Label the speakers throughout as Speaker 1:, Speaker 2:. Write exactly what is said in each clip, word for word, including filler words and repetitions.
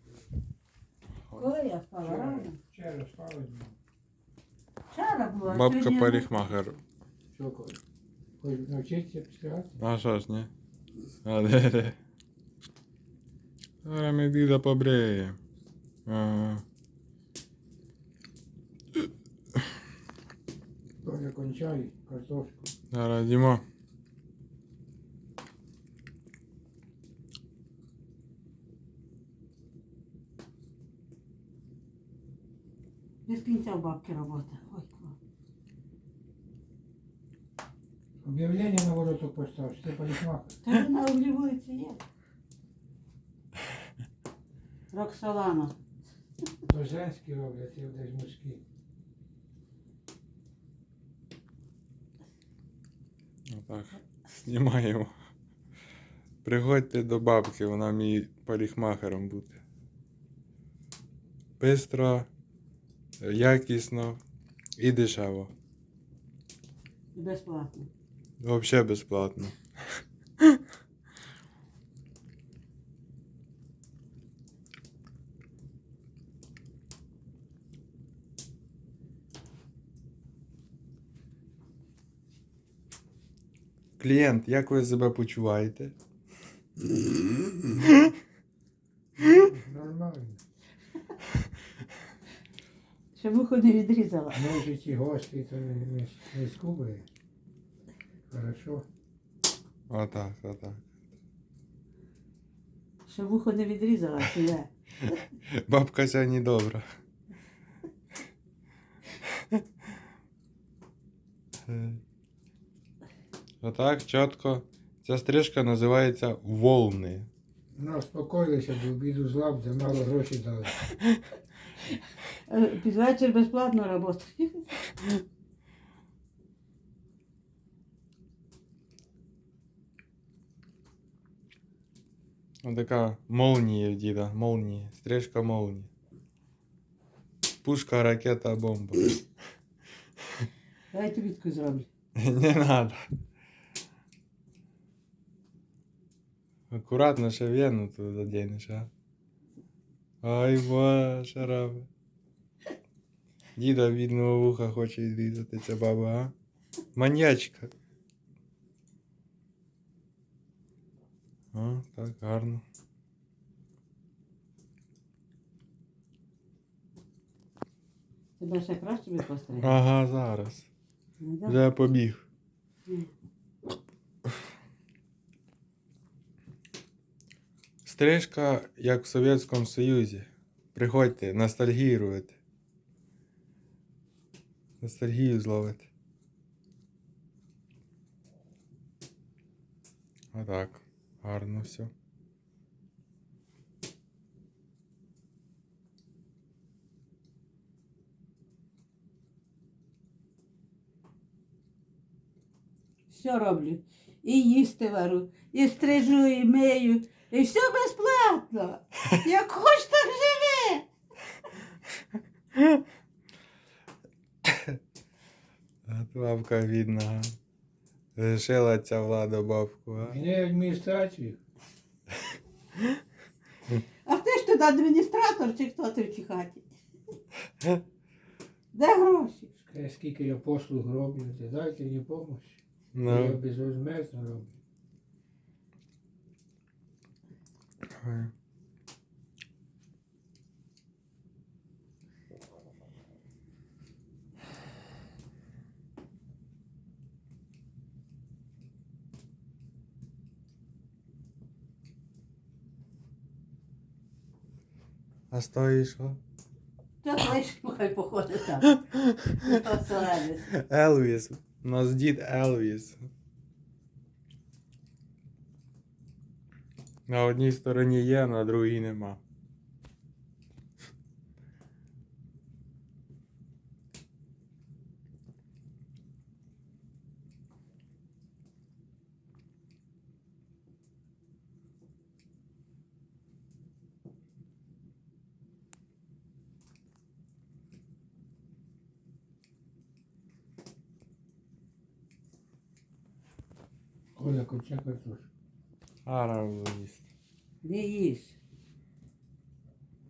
Speaker 1: Коли я спала?
Speaker 2: Вчора,
Speaker 1: Рано?
Speaker 2: вчора спали.
Speaker 1: Вчора була.
Speaker 3: Бабка
Speaker 1: сьогодні-
Speaker 3: парикмахер.
Speaker 2: Що, коли? Хоч навчитися підстригати?
Speaker 3: А що ж, ні? А де де? Зараз ми діда побреємо. Ага.
Speaker 2: Тоня кончай картошку.
Speaker 3: Зараз їмо.
Speaker 1: Без кінця у бабки робота. Ой, клас.
Speaker 2: Об'явлення на вороток постав, що ти парикмахер.
Speaker 1: Та ж на углі вулиці є. Роксолана.
Speaker 2: То женські роблять, я десь мужські.
Speaker 3: Отак. Знімаємо. Приходьте до бабки, вона вміє парикмахером бути. Бистро, якісно і дешево.
Speaker 1: І безплатно.
Speaker 3: Взагалі безплатно. Клієнт, як ви себе почуваєте?
Speaker 2: Нормально.
Speaker 1: Щоб вухо не відрізала.
Speaker 2: Може ті гості, то не, не, не скубає. Хорошо.
Speaker 3: Отак, отак.
Speaker 1: Щоб вухо не відрізала, чи я.
Speaker 3: Бабка сьогодні добра. Отак, чітко. Ця стрижка називається волни.
Speaker 2: Ну, успокоїлися, до обіду з лап, де мало грошей дали.
Speaker 1: Е, Під вечір безплатно робота.
Speaker 3: Ось така молнія в діда, молнія, стрижка молнії. Пушка, ракета, бомба.
Speaker 1: Давай тобі таку зроблю.
Speaker 3: Не надо. Акуратно ще вену тут заденеш, а? Ай, боже, раби. Діда бідного вуха хоче відрізати ця баба, а? Маньячка. О, так, гарно.
Speaker 1: Тебе ще краще би постригти?
Speaker 3: Ага, зараз.
Speaker 1: Ну, да.
Speaker 3: Вже побіг.
Speaker 1: Ні.
Speaker 3: Стрижка, як в Совєтському Союзі. Приходьте, ностальгіруйте. Ностальгію зловити. Отак. Гарно все.
Speaker 1: Все роблю. І їсти вару, і стрижу, і мию. І все безплатно. Як хоч так живе.
Speaker 3: А бабка видно. Лишила ця влада бабку, а?
Speaker 2: Мене адміністрацію.
Speaker 1: А ти ж тут адміністратор чи хто ти в цій хаті? Де гроші?
Speaker 2: Скажи, скільки я послуг роблю, ти дайте мені допомогу. Я
Speaker 3: Ну.
Speaker 2: безвозмездно роблю.
Speaker 3: Ой. А стоїш що?
Speaker 1: Та лиш хай походить там. Оселедець.
Speaker 3: Елвіс. У нас дід Елвіс. На одній стороні є, на другій нема.
Speaker 2: Коля, конча картошку.
Speaker 3: Ара їсть.
Speaker 1: Не їж.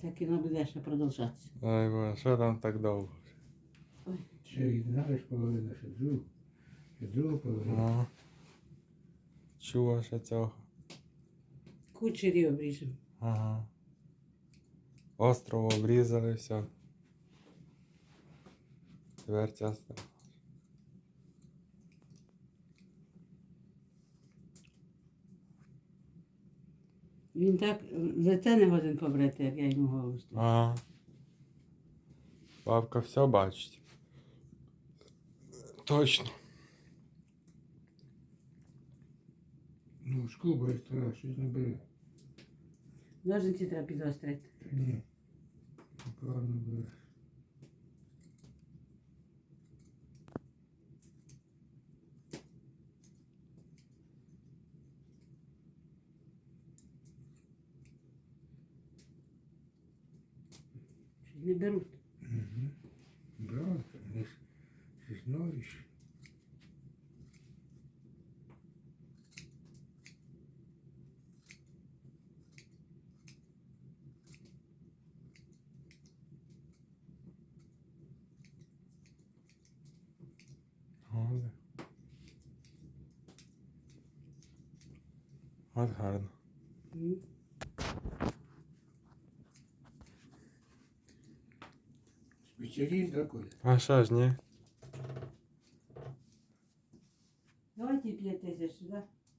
Speaker 1: це кіно буде ще продовжатися.
Speaker 3: Ой, боже, що там так довго?
Speaker 2: Ще віднаєш половину, ще другу. Ще другу половину.
Speaker 3: Ну. Чого ще цього?
Speaker 1: Кучері обріжемо.
Speaker 3: Ага. Остров обрізали, все. Тепер ця сторона.
Speaker 1: Він так лице не годен побрити, як я йому голову ставлю.
Speaker 3: Ага. Бабка все бачить. Точно.
Speaker 2: Ну, шкуба і стара, щось не бере.
Speaker 1: Ножниці треба підострити.
Speaker 2: Та ні. Неправильно бере.
Speaker 1: Щось не беруть.
Speaker 2: Угу. Браво, не ж ти знаєш.
Speaker 3: От. От гарно.
Speaker 1: М.
Speaker 2: Спеціаліст такой.
Speaker 3: А що ж, ні?
Speaker 1: Давайте п'ять тисяч сюди.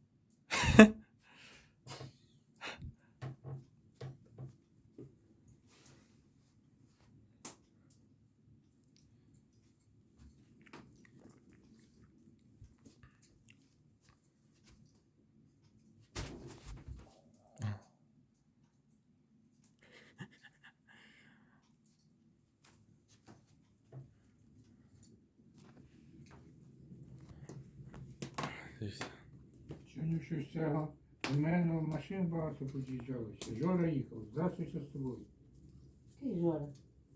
Speaker 3: І все.
Speaker 2: Сьогодні щось цього. У мене машин багато під'їжджалося. Жора їхав, здравствуйся з тобою.
Speaker 1: Який Жора?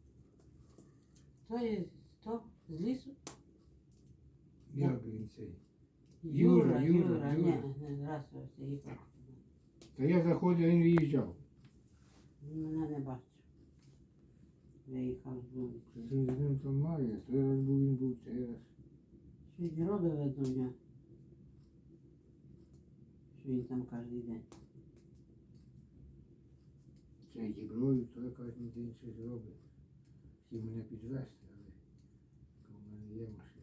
Speaker 1: То є хто? З лісу?
Speaker 2: Як він цей?
Speaker 1: Юра,
Speaker 2: Юра,
Speaker 1: Юра,
Speaker 2: Юра,
Speaker 1: Ні,
Speaker 2: Юра.
Speaker 1: не здравствуйте, їхав.
Speaker 2: Та я заходив, він виїжджав.
Speaker 1: Він мене не бачив. Виїхав з вулиці.
Speaker 2: Це він з ним там має, той раз був, він був цей раз.
Speaker 1: Щось робить видно в нього. Що він там кожен день.
Speaker 2: Цей діброю, то кожен день щось робить. Хотів мене підвезти, але у мене є машина.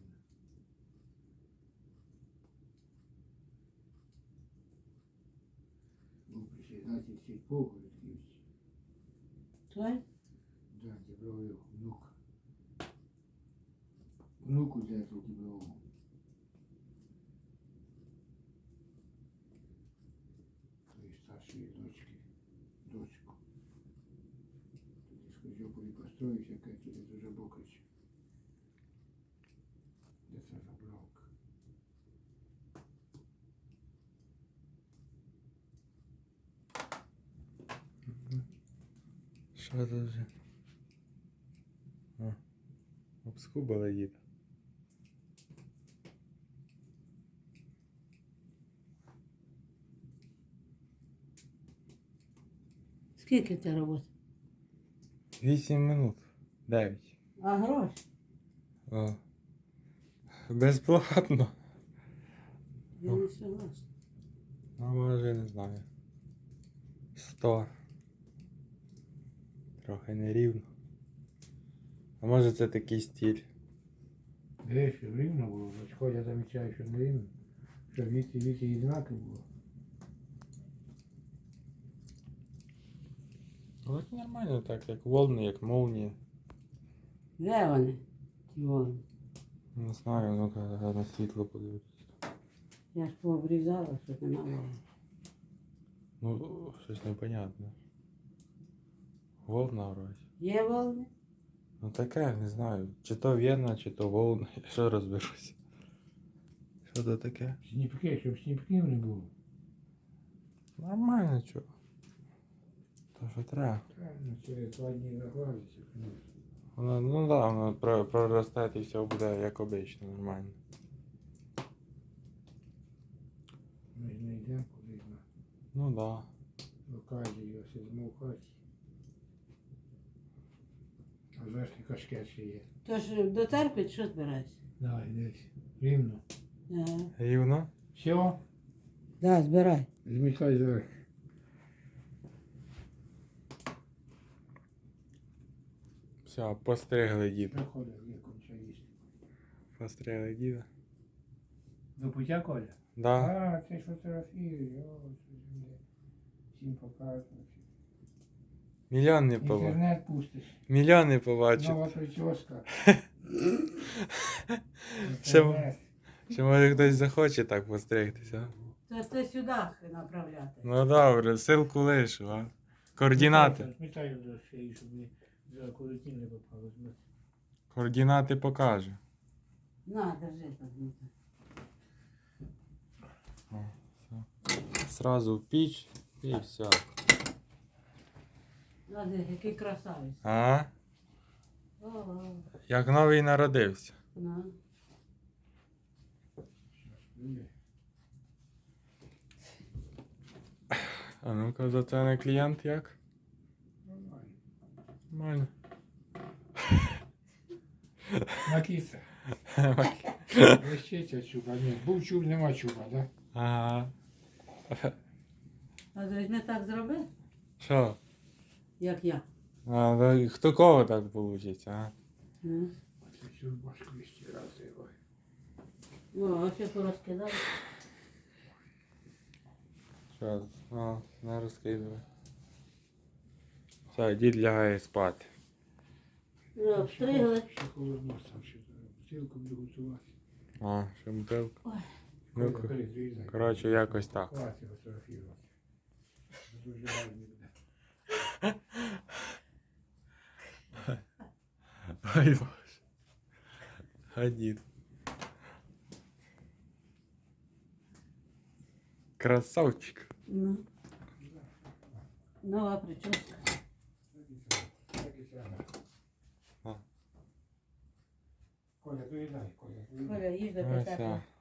Speaker 2: Був председатель сільпо в Городківці.
Speaker 1: Той?
Speaker 2: Да, діброю внук. Внуку дятел діброву. Твоей старшей дочки, дочку. Тоді з Козьополі построївся, яка туди дуже бокач. Де це забравка?
Speaker 3: Що тут вже? А, обскубали їде.
Speaker 1: Скільки це роботи?
Speaker 3: Вісім минут. Дев'ять.
Speaker 1: А гроші?
Speaker 3: О. Безплатно.
Speaker 1: Я не согласна.
Speaker 3: Ну, може, не знаю. Сто. Трохи нерівно. А може це такий стиль.
Speaker 2: Де ще рівно було, значить, Ходя замічає, що не рівно. Що віці, віці і знаки було.
Speaker 3: Ну, так нормально так, як волни, як молнії.
Speaker 1: Де вони? Ті волни?
Speaker 3: Не знаю, ну-ка на світло подивитися.
Speaker 1: Я ж пообрізала, що нема волни.
Speaker 3: Ну, щось непонятне. Волна вроді.
Speaker 1: Є волни?
Speaker 3: Ну таке, не знаю. Чи то в'єна, чи то волна. Я що розберусь. Що то таке?
Speaker 2: Сніпки, щоб сніпків не було.
Speaker 3: Нормально, чого. То що треба.
Speaker 2: Правильно, через два дні загладиться, звісно.
Speaker 3: Воно, ну да, воно про- проросте і все буде як обично, нормально.
Speaker 2: Ми ж не йдемо кудись на
Speaker 3: Ну да.
Speaker 2: локацію, а сидимо в хаті. А зверху кашкет ще є.
Speaker 1: Тож до церкви чи що збираєшся?
Speaker 2: Давай, десь. Рівно.
Speaker 1: Ага.
Speaker 3: Рівно?
Speaker 2: Все?
Speaker 1: Да, збирай.
Speaker 2: Змітай зверху.
Speaker 3: Все, постригли діда.
Speaker 2: Приходить, є конча їсти.
Speaker 3: Постригли діда.
Speaker 2: До пуття, Коля?
Speaker 3: Да.
Speaker 2: А, ти ж фотографіруєш, о, що ж мені всім показуєш.
Speaker 3: Мільйон не побачив.
Speaker 2: Інтернет пустиш.
Speaker 3: Мільйон не побачив.
Speaker 2: Нова прическа.
Speaker 3: Ще,
Speaker 2: Інтернет.
Speaker 3: ще може хтось захоче так постригтися.
Speaker 1: Це ж ти сюди направляти.
Speaker 3: Ну добре, ссылку лишу, а. Координати.
Speaker 2: Змітай до шиї, щоб не за коротін не попало.
Speaker 3: Координати покажу.
Speaker 1: На, держи так.
Speaker 3: О, все. Сразу в піч і все.
Speaker 1: Надя, який красавець.
Speaker 3: А?
Speaker 1: О,
Speaker 3: Як новий народився.
Speaker 1: на.
Speaker 3: А ну-ка, за це не клієнт як?
Speaker 2: Нормально.
Speaker 3: Нормально.
Speaker 2: Накиса. Лещиця чуба. Ні, був чуб, нема чуба, да?
Speaker 3: Ага.
Speaker 1: А візьми так зроби,
Speaker 3: Що?
Speaker 1: як я.
Speaker 3: А, да, хто кого так вийде, а?
Speaker 1: Ну.
Speaker 2: Оце цю башку ще раз його.
Speaker 1: О, а ще порозкидав.
Speaker 3: Що? О, не розкидуй. Все, дід лягає спати.
Speaker 1: Ну, обстригли.
Speaker 2: Ще холодно там, ще бутилку буду готувати.
Speaker 3: О, ще бутилка.
Speaker 1: Ой.
Speaker 3: Ну,
Speaker 2: Коля, бери, зрізай.
Speaker 3: коротше, якось так.
Speaker 2: Хватить фотографувати. Дуже гарний буде.
Speaker 3: Ай, боже. А дід. Красавчик.
Speaker 1: Ну. Нова прическа.
Speaker 2: Так і треба. Так і треба.
Speaker 3: А.
Speaker 2: Коля, доїдай, Коля, доїдай.
Speaker 1: Коля, їж до
Speaker 3: Ось
Speaker 1: п'ятака.
Speaker 3: так.